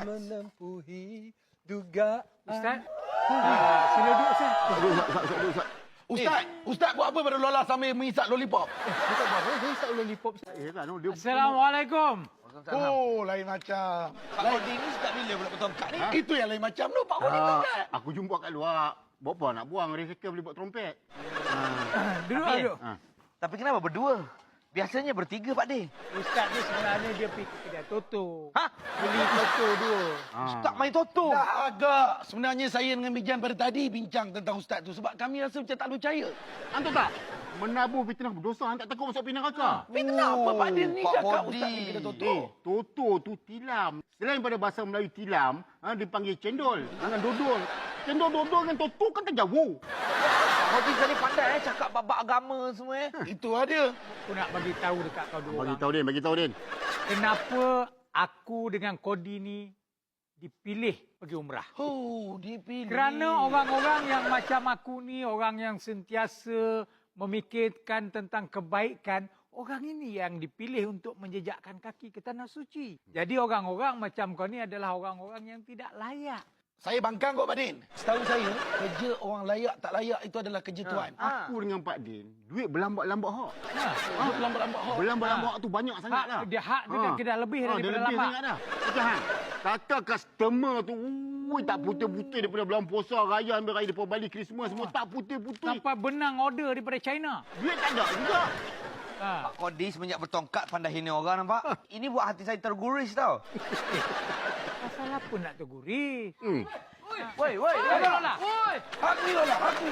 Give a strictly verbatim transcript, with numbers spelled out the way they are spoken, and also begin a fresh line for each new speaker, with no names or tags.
menempuhi dugaan.
Ustaz, uh, sila duduk, Ustaz.
Aduh, Ustaz, Ustaz, Ustaz, Ustaz. Ustaz, Ustaz buat apa pada Lola sambil mengisap lollipop?
Ustaz buat apa? Dia isap lollipop. Ustaz.
Eh, kan, dia...
Assalamualaikum.
Oh, lain macam.
Pak Kodi ni sejak bila pula bertongkat ni?
Ha? Itu yang lain macam tu, Pak Kodi
Ah,
uh,
aku jumpa kat luar. Buat apa nak buang? Recycle boleh buat trompet.
Uh, duduk,
Tapi-
duduk.
Ha.
Tapi kenapa berdua? Biasanya bertiga, Pak De.
Ustaz ni sebenarnya dia pergi kedai Toto.
Ha?
Beli Toto dua.
Ha.
Ustaz main Toto.
Dah agak. Sebenarnya saya dengan Mijan pada tadi bincang tentang Ustaz tu sebab kami rasa macam tak percaya.
Antum tak? Menabur fitnah berdosa, hang tak takut masuk pinang neraka.
Tapi kenapa Pak Din ni
Pak
cakap
Kodi.
Ustaz ni kena tutup?
Eh, Toto tu tilam. Selain pada bahasa Melayu tilam, ha, dipanggil cendol dengan dodol. Cendol dodol dengan Toto kan tak jauh.
Pak Kodi tadi pandai eh cakap bab agama semua eh.
Itu ada.
Aku nak bagi tahu dekat kau dua
Bagi
orang.
tahu Din, bagi tahu Din.
Kenapa aku dengan Kodi ni dipilih pergi umrah?
Oh, dipilih.
Kerana orang-orang yang macam aku ni, orang yang sentiasa memikirkan tentang kebaikan, orang ini yang dipilih untuk menjejakkan kaki ke tanah suci. Jadi orang-orang macam kau ni adalah orang-orang yang tidak layak.
Saya bangkang kok Pak Din. Setahu saya, kerja orang layak tak layak itu adalah kerja Tuan.
Ha.
Aku dengan Pak Din, duit berlambat-lambat hak.
Ha.
Ha, lambat-lambat hak.
Berlambat-lambat
Ha.
hak tu banyak sangat
Hak,
dah.
dia hak dia dah- dia dah lebih
Ha, dia
daripada
lebih
lambat.
sangat dah. Okey Han. Kata customer tu, ui, tak putih-putih daripada bulan puasa, raya, ambil raya depan balik Christmas semua tak putih-putih.
Sampai benang order daripada China.
Duit tak ada juga.
Ha.
Pak Kodi semenjak bertongkat pandai hina orang nampak. Ini buat hati saya terguris tau.
Pasal apa nak teguris?
Hmm.
Woi, woi,
Lola, Lola.
Hak ni Lola, hak ni.